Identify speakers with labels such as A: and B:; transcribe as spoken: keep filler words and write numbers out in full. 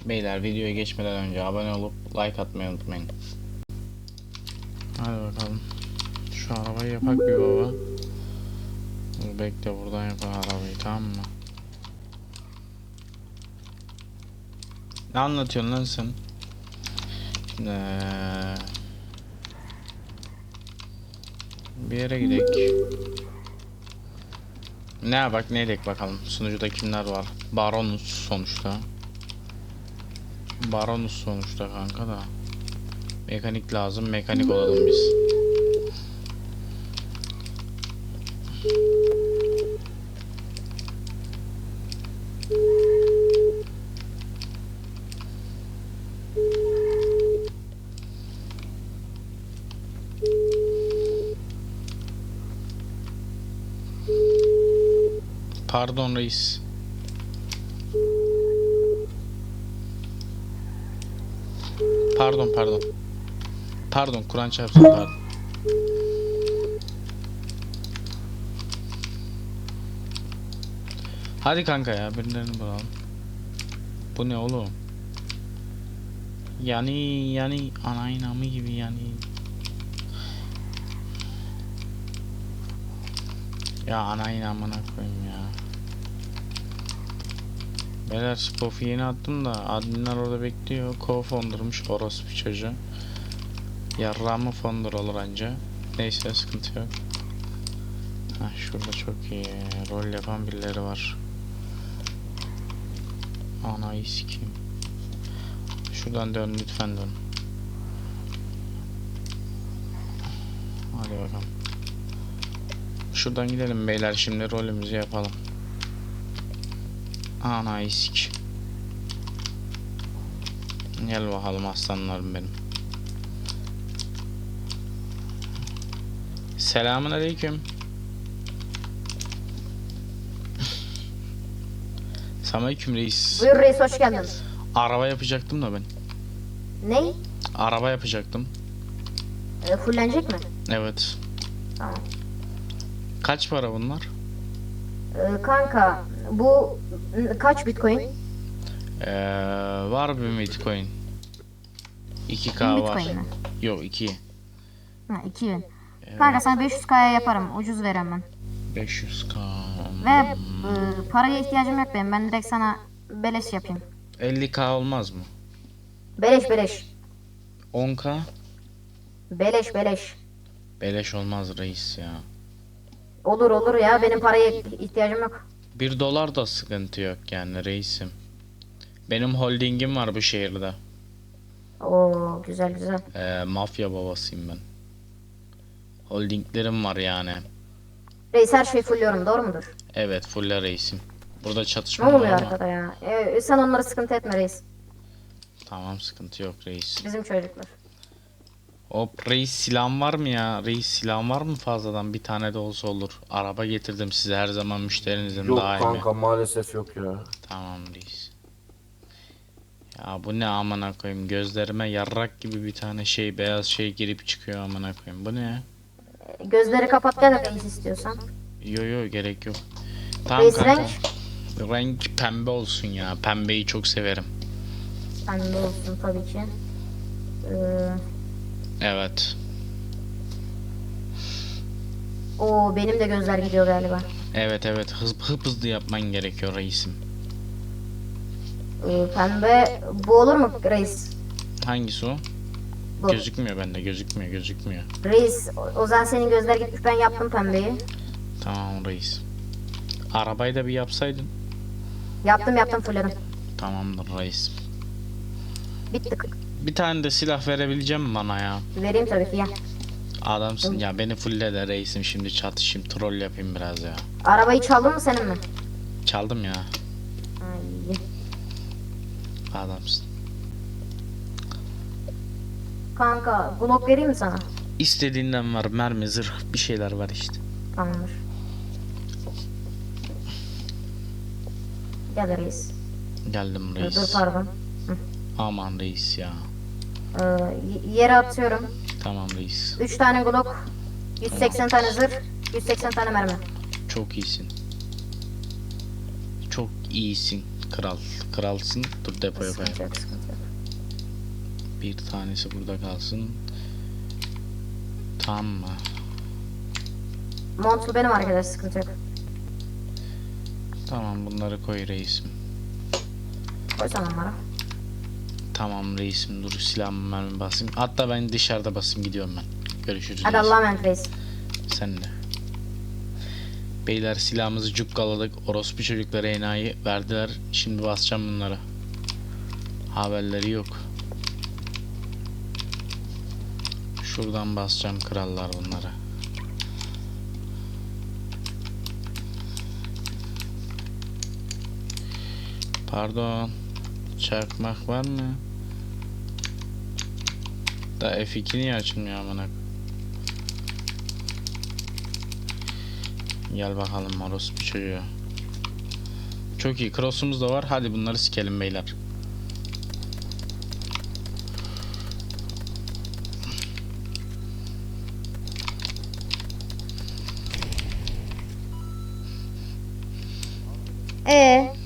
A: Beyler videoya geçmeden önce abone olup like atmayı unutmayın. Hadi bakalım. Şu arabayı yapak bir baba. Dur bekle, buradan yapar arabayı, tamam mı? Ne anlatıyorsun lan sen? Şimdi ee, bir yere gidelim. Ne yapak ne edek bakalım. Sunucuda kimler var? Baronus sonuçta. Baronus sonuçta kanka da. Mekanik lazım. Mekanik olalım biz. Pardon reis. Pardon pardon. Pardon Kur'an çarpsın, pardon. Hadi kanka ya, birilerini bulalım. Bu ne oğlum? Yani yani anayın amı gibi yani. Ya anayın amına koyayım ya. Beyler spofu yeni attım da adminler orada bekliyor. Co-founder'mış orospu çocuğu. Yarrağımı founder olur anca. Neyse sıkıntı yok. Heh, şurada çok iyi rol yapan birileri var. Ana iski. Şuradan dön lütfen, dön. Hadi bakalım. Şuradan gidelim beyler, şimdi rolümüzü yapalım. Ana iski. Gel bakalım aslanlarım benim. Selamun aleyküm. Selamünaleyküm reis.
B: Buyur reis, hoş geldin.
A: Araba yapacaktım da ben.
B: Ney?
A: Araba yapacaktım.
B: E, fullenecek mi?
A: Evet.
B: Tamam.
A: Kaç para bunlar?
B: E, kanka bu n- kaç bitcoin?
A: Ee, var bir Bitcoin. iki K
B: bin
A: var.
B: bitcoin mi?
A: Yok iki.
B: Ha, iki bin.
A: Evet.
B: Kanka sana beş yüz K'ya yaparım, ucuz veremem.
A: beş yüz K.
B: Ve e, paraya ihtiyacım yok benim, ben direkt sana beleş yapayım.
A: elli K olmaz mı?
B: Beleş beleş.
A: on K?
B: Beleş beleş.
A: Beleş olmaz reis ya.
B: Olur olur ya, benim paraya ihtiyacım yok.
A: bir dolar da sıkıntı yok yani reisim. Benim holdingim var bu şehirde.
B: Oo güzel güzel.
A: Ee, mafya babasıyım ben. Holdinglerim var yani.
B: Reis her şeyi fulluyorum, doğru mudur?
A: Evet, full reisim. Burada çatışma
B: Ne
A: var
B: oluyor
A: ama.
B: arkada ya? E, sen onları sıkıntı etme reis.
A: Tamam, sıkıntı yok reis.
B: Bizim çocuklar.
A: Hop reis, silahın var mı ya? Reis silahın var mı fazladan? Bir tane de olsa olur. Araba getirdim size, her zaman müşterinizin
C: Yok
A: daimi.
C: kanka, maalesef yok ya.
A: Tamam reis. Ya bu ne amına koyayım, gözlerime yarrak gibi bir tane şey, beyaz şey girip çıkıyor amına koyayım. Bu ne?
B: Gözleri kapat gel reis istiyorsan.
A: Yo yo, gerek yok. Tamam
B: Reis,
A: kanka.
B: renk?
A: Renk pembe olsun ya. Pembeyi çok severim.
B: Pembe olsun tabii ki. Ee,
A: Evet.
B: o benim de gözler gidiyor galiba.
A: Evet evet, hız, hıp hızlı yapman gerekiyor reisim.
B: Ee, pembe bu olur mu reis?
A: Hangisi o?
B: Bu.
A: Gözükmüyor bende, gözükmüyor gözükmüyor.
B: Reis o, o zaman senin gözler gitmiş, ben yaptım pembeyi.
A: Tamam reis. Arabayı da bir yapsaydın.
B: Yaptım yaptım fulledim.
A: Tamamdır reis.
B: Bitti.
A: Bir tane de silah verebileceğim mi bana ya?
B: Vereyim tabii ki ya.
A: Adamsın ya, beni fulle de reisim, şimdi çatışayım, troll yapayım biraz ya.
B: Arabayı çaldın mı senin mi?
A: Çaldım ya.
B: Ay.
A: Adamsın.
B: Kanka Glock vereyim mi sana?
A: İstediğinden var, mermi, zırh, bir şeyler var işte.
B: Tamamdır. Gel reis.
A: Geldim
B: Dur,
A: reis.
B: dur pardon.
A: Aman reis ya.
B: Ee, y- yere atıyorum.
A: Tamam reis.
B: üç tane Glock. yüz seksen tane zırh. yüz seksen tane mermi.
A: Çok iyisin. Çok iyisin Kral. Kralsın. Dur depoya
B: Sıkıntı
A: koyalım.
B: yok, sıkıntı yok.
A: Bir tanesi burada kalsın. Tamam mı?
B: Montlu benim arkadaş, sıkıntı yok.
A: Tamam, bunları koy reisim.
B: Koy sen onlara.
A: Tamam reisim, dur silahımı mermi basayım. Hatta ben dışarıda basayım, gidiyorum ben. Görüşürüz
B: Hadi
A: reisim.
B: Allah'a emanet reis.
A: Sen de. Beyler silahımızı cukkaladık. Orospu çocuklara enayi verdiler. Şimdi basacağım bunlara. Haberleri yok. Şuradan basacağım krallar bunlara. Pardon. Çakmak var mı? Da F iki niye açılmıyor amına? Gel bakalım orospu çocuğu. Çok iyi, cross'umuz da var. Hadi bunları sikelim beyler.
B: Ee,